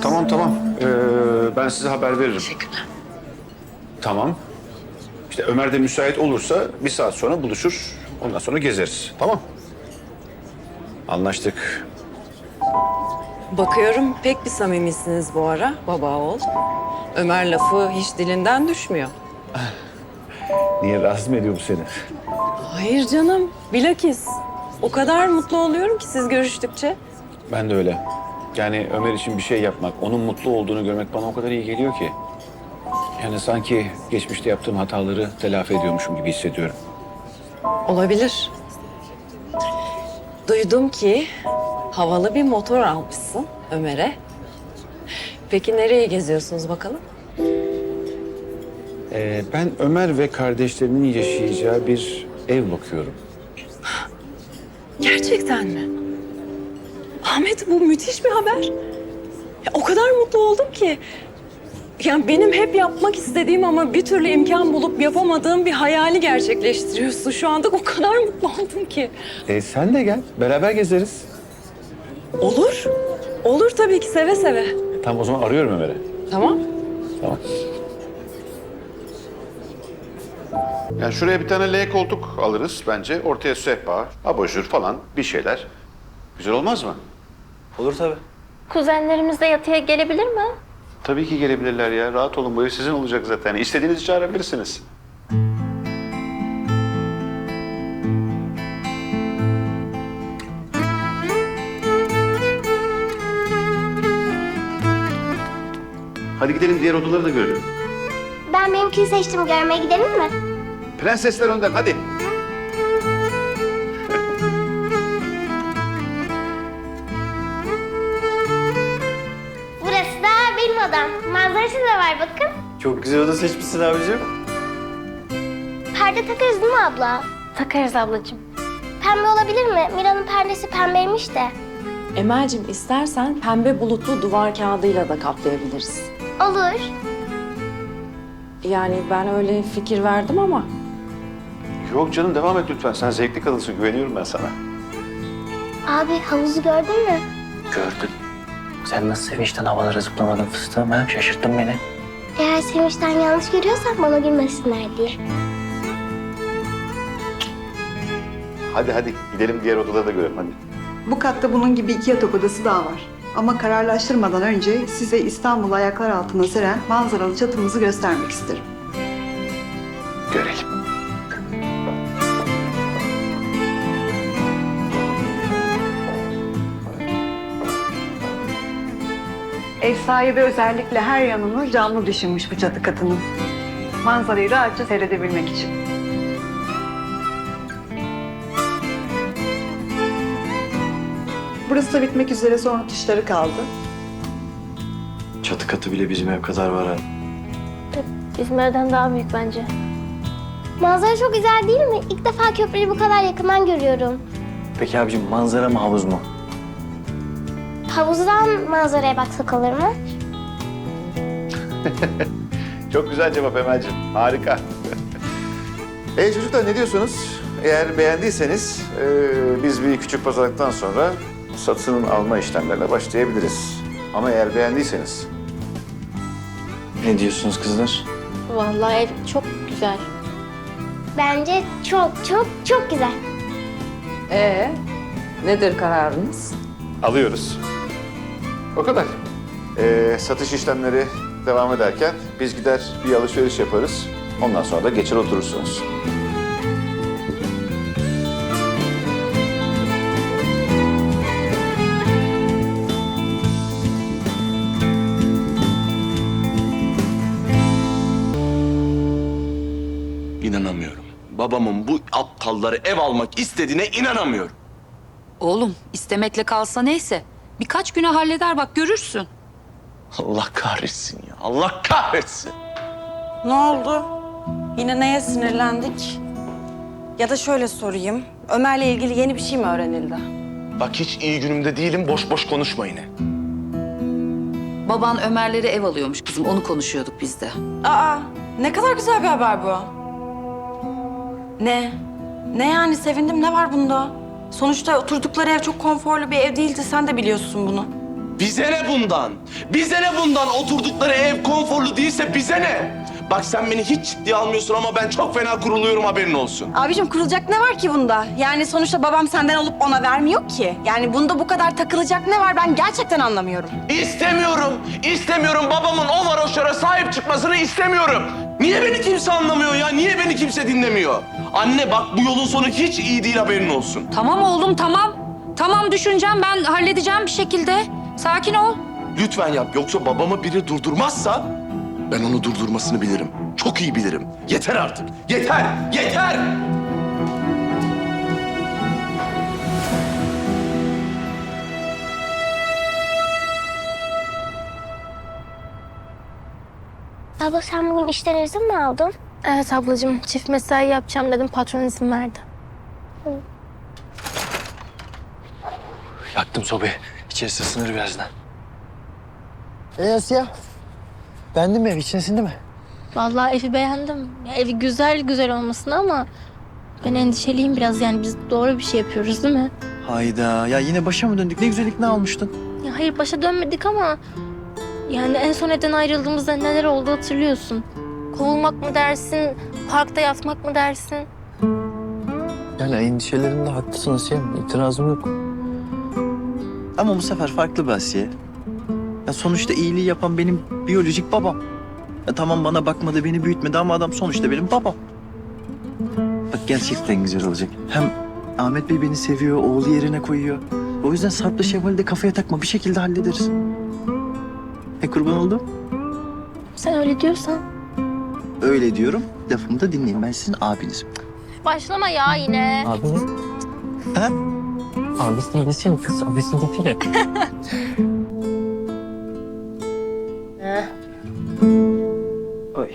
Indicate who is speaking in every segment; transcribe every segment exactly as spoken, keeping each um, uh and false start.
Speaker 1: Tamam tamam. Ee, ben size haber veririm.
Speaker 2: Teşekkürler.
Speaker 1: Tamam. İşte Ömer de müsait olursa bir saat sonra buluşur. Ondan sonra gezeriz. Tamam. Anlaştık.
Speaker 2: Bakıyorum pek bir samimisiniz bu ara baba oğul. Ömer lafı hiç dilinden düşmüyor.
Speaker 1: Niye rahatsız mı ediyor bu seni?
Speaker 2: Hayır canım, bilakis. O kadar mutlu oluyorum ki siz görüştükçe.
Speaker 1: Ben de öyle. Yani Ömer için bir şey yapmak, onun mutlu olduğunu görmek bana o kadar iyi geliyor ki. Yani sanki geçmişte yaptığım hataları telafi ediyormuşum gibi hissediyorum.
Speaker 2: Olabilir. Duydum ki havalı bir motor almışsın Ömer'e. Peki nereye geziyorsunuz bakalım?
Speaker 1: Ee, ben Ömer ve kardeşlerinin yaşayacağı bir ev bakıyorum.
Speaker 2: Gerçekten mi? Ahmet bu müthiş bir haber. Ya, o kadar mutlu oldum ki. Yani benim hep yapmak istediğim ama bir türlü imkan bulup yapamadığım bir hayali gerçekleştiriyorsun. Şu anda o kadar mutlu oldum ki.
Speaker 1: Ee, sen de gel, beraber gezeriz.
Speaker 2: Olur. Olur tabii ki seve seve.
Speaker 1: Tamam o zaman arıyorum Ömer'i.
Speaker 2: Tamam.
Speaker 1: Tamam. Yani şuraya bir tane L koltuk alırız bence. Ortaya sehpa, abajur falan bir şeyler. Güzel olmaz mı?
Speaker 3: Olur tabii.
Speaker 4: Kuzenlerimiz de yatıya gelebilir mi?
Speaker 1: Tabii ki gelebilirler ya. Rahat olun. Bu ev sizin olacak zaten. İstediğinizi çağırabilirsiniz. Hadi gidelim diğer odaları da görelim.
Speaker 5: Ben benimkini seçtim. Görmeye gidelim mi?
Speaker 1: Prensesler önden hadi.
Speaker 5: Burası da benim odam. Manzarası da var bakın.
Speaker 3: Çok güzel oda seçmişsin abicim.
Speaker 5: Perde takarız değil mi abla?
Speaker 4: Takarız ablacığım.
Speaker 5: Pembe olabilir mi? Mira'nın perdesi pembeymiş de.
Speaker 2: Emel'cim istersen pembe bulutlu duvar kağıdıyla da kaplayabiliriz.
Speaker 5: Olur.
Speaker 2: Yani ben öyle fikir verdim ama
Speaker 1: Yok canım devam et lütfen. Sen zevkli kadınsın. Güveniyorum ben sana.
Speaker 5: Abi havuzu gördün mü?
Speaker 3: Gördüm. Sen nasıl sevinçten havalara zıplamadın fıstığım ha? Şaşırttın beni.
Speaker 5: Eğer sevinçten yanlış görüyorsak bana gülmesinler diye.
Speaker 1: Hadi hadi gidelim diğer odaları da görelim hadi.
Speaker 6: Bu katta bunun gibi iki yatak odası daha var. Ama kararlaştırmadan önce size İstanbul'u ayaklar altına seren manzaralı çatımızı göstermek isterim.
Speaker 1: Görelim.
Speaker 6: Ev sahibi özellikle her yanını camlı düşünmüş bu çatı katının. Manzarayı rahatça seyredebilmek için. Burası da bitmek üzere, son rötuşları kaldı.
Speaker 3: Çatı katı bile bizim ev kadar var ha.
Speaker 4: Bizim evden daha büyük bence.
Speaker 5: Manzara çok güzel değil mi? İlk defa köprüyü bu kadar yakından görüyorum.
Speaker 3: Peki abicim manzara mı havuz mu?
Speaker 5: Havuzdan manzaraya baksak olur mu?
Speaker 1: Çok güzel cevap Emel'ciğim. Harika. e çocuklar ne diyorsunuz? Eğer beğendiyseniz e, biz bir küçük pazarlıktan sonra satın alma işlemlerine başlayabiliriz. Ama eğer beğendiyseniz
Speaker 3: Ne diyorsunuz kızlar?
Speaker 4: Vallahi ev çok güzel.
Speaker 5: Bence çok çok çok güzel.
Speaker 2: ee nedir kararınız?
Speaker 1: alıyoruz. O kadar. E, satış işlemleri devam ederken biz gider bir alışveriş yaparız. Ondan sonra da geçer oturursunuz.
Speaker 7: İnanamıyorum. Babamın bu aptalları ev almak istediğine inanamıyorum.
Speaker 8: Oğlum istemekle kalsa neyse. Birkaç güne halleder bak görürsün.
Speaker 7: Allah kahretsin ya. Allah kahretsin.
Speaker 9: Ne oldu? Yine neye sinirlendik? Ya da şöyle sorayım. Ömer'le ilgili yeni bir şey mi öğrenildi?
Speaker 7: Bak hiç iyi günümde değilim. Boş boş konuşma yine.
Speaker 8: Baban Ömer'lere ev alıyormuş kızım onu konuşuyorduk biz de.
Speaker 9: Aa, ne kadar güzel bir haber bu. Ne? Ne yani sevindim, ne var bunda? Sonuçta oturdukları ev çok konforlu bir ev değildi, sen de biliyorsun bunu.
Speaker 7: Bize ne bundan? Bize ne bundan? Oturdukları ev konforlu değilse bize ne? Bak sen beni hiç ciddiye almıyorsun ama ben çok fena kuruluyorum, haberin olsun.
Speaker 9: Abicim kurulacak ne var ki bunda? Yani sonuçta babam senden alıp ona vermiyor ki. Yani bunda bu kadar takılacak ne var ben gerçekten anlamıyorum.
Speaker 7: İstemiyorum, istemiyorum. Babamın o varoşlara sahip çıkmasını istemiyorum. Niye beni kimse anlamıyor ya? Niye beni kimse dinlemiyor? Anne bak bu yolun sonu hiç iyi değil, haberin olsun.
Speaker 8: Tamam oğlum tamam. Tamam düşüneceğim ben halledeceğim bir şekilde. Sakin ol.
Speaker 7: Lütfen yap, yoksa babamı biri durdurmazsa ben onu durdurmasını bilirim. Çok iyi bilirim. Yeter artık. Yeter, yeter!
Speaker 5: Abla sen bugün işten izin mi aldın?
Speaker 4: Evet ablacığım, çift mesai yapacağım dedim, patron izin verdi.
Speaker 3: Yaktım sobayı. İçerisi ısınır birazdan. E Asya? Beğendin mi ev? İçine sindi mi?
Speaker 4: Vallahi evi beğendim. Ya, evi güzel güzel olmasına ama ben endişeliyim biraz, yani biz doğru bir şey yapıyoruz değil mi?
Speaker 3: Hayda. Ya yine başa mı döndük? Ne güzel ikna almıştın.
Speaker 4: Ya hayır, başa dönmedik ama yani en son evden ayrıldığımızda neler oldu hatırlıyorsun. Kovulmak mı dersin, parkta yatmak mı dersin?
Speaker 3: Yani endişelerinde haklısın Asiye. İtirazım yok. Ama bu sefer farklı bir Asiye. Ya sonuçta iyiliği yapan benim biyolojik babam. Ya tamam bana bakmadı, beni büyütmedi ama adam sonuçta benim babam. Bak gerçekten güzel olacak. Hem Ahmet Bey beni seviyor, oğlu yerine koyuyor. O yüzden Sarp'la Şevval'i de kafaya takma. Bir şekilde hallederiz. E kurban oldum.
Speaker 4: Sen öyle diyorsan.
Speaker 3: Öyle diyorum. Lafımı da dinleyin. Ben sizin abinizim.
Speaker 4: Başlama ya yine.
Speaker 3: Abiniz? Ha? Abisi desene kız. Abisi desene. Oy.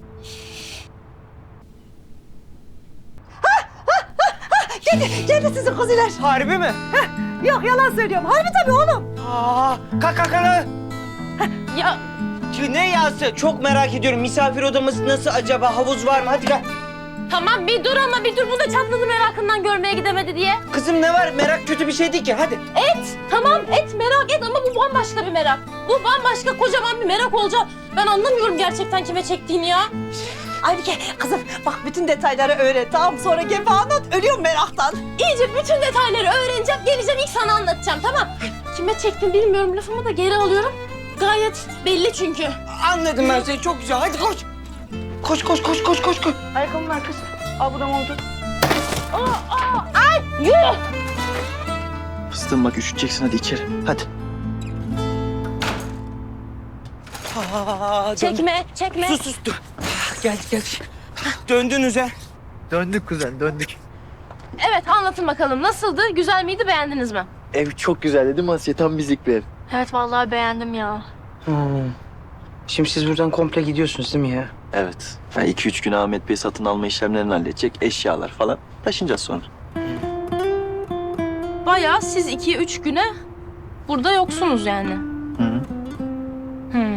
Speaker 6: Geldi sizin kuziler.
Speaker 10: Harbi mi?
Speaker 6: Yok yalan söylüyorum. Harbi tabii oğlum.
Speaker 10: Aa, kalk kalk kalk.
Speaker 9: Ya
Speaker 10: Ki ne yası? Çok merak ediyorum. Misafir odamız nasıl acaba? Havuz var mı? Hadi gel.
Speaker 4: Tamam bir dur ama bir dur, bu da çatladı merakından görmeye gidemedi diye.
Speaker 10: Kızım ne var? Merak kötü bir şey değil ki. Hadi.
Speaker 4: Et, tamam et, merak et ama bu bambaşka bir merak. Bu bambaşka kocaman bir merak olacak. Ben anlamıyorum gerçekten kime çektiğini ya.
Speaker 6: Aybike kızım bak bütün detayları öğren tamam sonra gel bana anlat. Ölüyorum meraktan.
Speaker 4: İyice bütün detayları öğreneceğim, geleceğim ilk sana anlatacağım, tamam. Kime çektim bilmiyorum, lafımı da geri alıyorum. Gayet belli çünkü.
Speaker 10: Anladım ben seni. Çok güzel. Hadi koş. Koş koş koş koş koş koş.
Speaker 6: Ayakkabının arkası. Al bu da montu.
Speaker 3: Fıstığım bak üşüteceksin hadi içeri. Hadi.
Speaker 10: Aa, dön.
Speaker 4: Çekme, çekme.
Speaker 10: Sus sus dur. Gel gel. Döndünüz ha.
Speaker 3: Döndük kuzen döndük.
Speaker 4: Evet anlatın bakalım, nasıldı, güzel miydi, beğendiniz mi?
Speaker 3: Ev çok güzeldi değil mi Asiye? Tam bizlik bir ev.
Speaker 4: Evet vallahi beğendim ya.
Speaker 10: Hmm. Şimdi siz buradan komple gidiyorsunuz değil mi ya?
Speaker 3: Evet. Yani iki üç gün Ahmet Bey satın alma işlemlerini halledecek. Eşyalar falan. Taşınacağız sonra.
Speaker 4: Bayağı siz iki üç güne burada yoksunuz yani.
Speaker 3: Hı hı.
Speaker 4: Hı.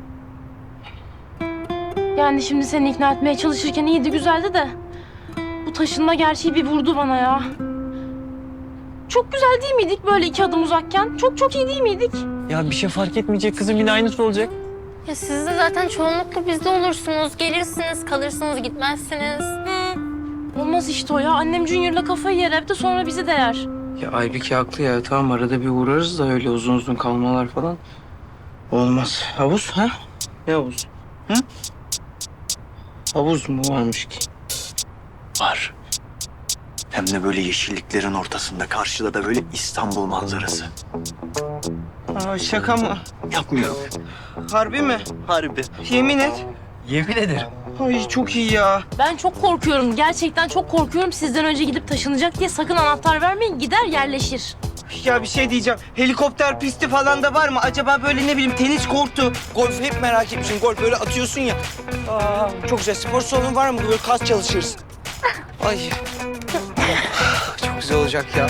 Speaker 4: Yani şimdi seni ikna etmeye çalışırken iyiydi, güzeldi de bu taşınma gerçeği bir vurdu bana ya. Çok güzel değil miydik böyle iki adım uzakken? Çok çok iyi değil miydik?
Speaker 3: Ya bir şey fark etmeyecek kızım. Yine aynısı olacak.
Speaker 4: Ya siz de zaten çoğunlukla bizde olursunuz. Gelirsiniz, kalırsınız, gitmezsiniz. Hı. Olmaz işte o ya. Annem Junior'la kafayı yer evde, sonra bizi değer.
Speaker 10: Ya Aybike haklı ya. Tamam arada bir uğrarız da öyle uzun uzun kalmalar falan. Olmaz. Havuz ha? Ne havuz? Hı? Havuz mu varmış ki?
Speaker 3: Var. Hem de böyle yeşilliklerin ortasında. Karşıda da böyle İstanbul manzarası.
Speaker 10: Aa, şaka mı?
Speaker 3: Yapmıyorum.
Speaker 10: Harbi mi?
Speaker 3: Harbi.
Speaker 10: Yemin et.
Speaker 3: Yemin ederim.
Speaker 10: Ay çok iyi ya.
Speaker 4: Ben çok korkuyorum. Gerçekten çok korkuyorum. Sizden önce gidip taşınacak diye sakın anahtar vermeyin. Gider yerleşir.
Speaker 10: Ya bir şey diyeceğim. Helikopter pisti falan da var mı? Acaba böyle ne bileyim tenis kortu, golf hep merak etmişim. Golf böyle atıyorsun ya. Aa, çok güzel. Spor salonu var mı? Böyle kas çalışırız. Ay. Çok güzel olacak ya.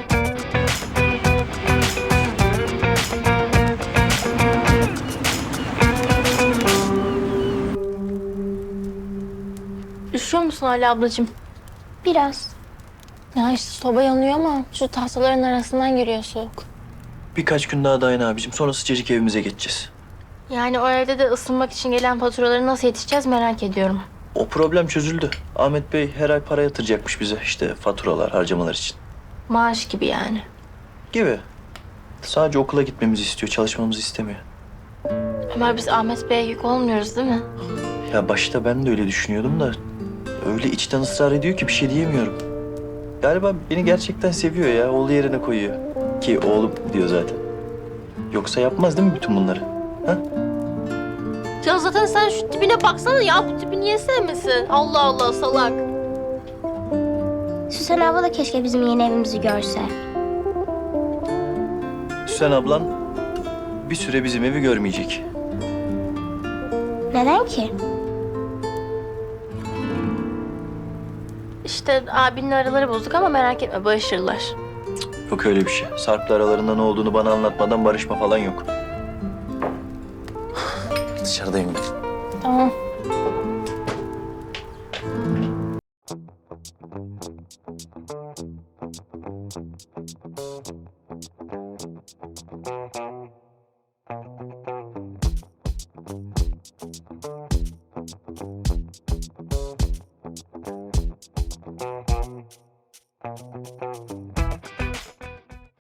Speaker 4: Üşüyor musun hala ablacığım?
Speaker 5: Biraz.
Speaker 4: Ya işte soba yanıyor ama şu tahtaların arasından giriyor soğuk.
Speaker 3: birkaç gün daha dayan abicim. Sonra sıcacık evimize geçeceğiz.
Speaker 4: Yani o evde de ısınmak için gelen faturaları nasıl yetişeceğiz merak ediyorum.
Speaker 3: O problem çözüldü. Ahmet Bey her ay para yatıracakmış bize. İşte faturalar, harcamalar için.
Speaker 4: Maaş gibi yani.
Speaker 3: Gibi. Sadece okula gitmemizi istiyor, çalışmamızı istemiyor.
Speaker 4: Ömer biz Ahmet Bey'e yük olmuyoruz değil mi?
Speaker 3: Ya başta ben de öyle düşünüyordum da öyle içten ısrar ediyor ki bir şey diyemiyorum. Galiba beni gerçekten seviyor ya. Oğlu yerine koyuyor. Ki oğlum diyor zaten. Yoksa yapmaz değil mi bütün bunları? Ha?
Speaker 4: Ya zaten sen şu tipine baksana ya. Bu tipi niye sevmesin? Allah Allah salak.
Speaker 5: Süsen abla da keşke bizim yeni evimizi görse.
Speaker 3: Süsen ablan bir süre bizim evi görmeyecek.
Speaker 5: Neden ki?
Speaker 4: İşte abinin araları bozuk ama merak etme barışırlar.
Speaker 3: Yok öyle bir şey. Sarp'la aralarında ne olduğunu bana anlatmadan barışma falan yok. Dışarıdayım ben.
Speaker 4: Tamam.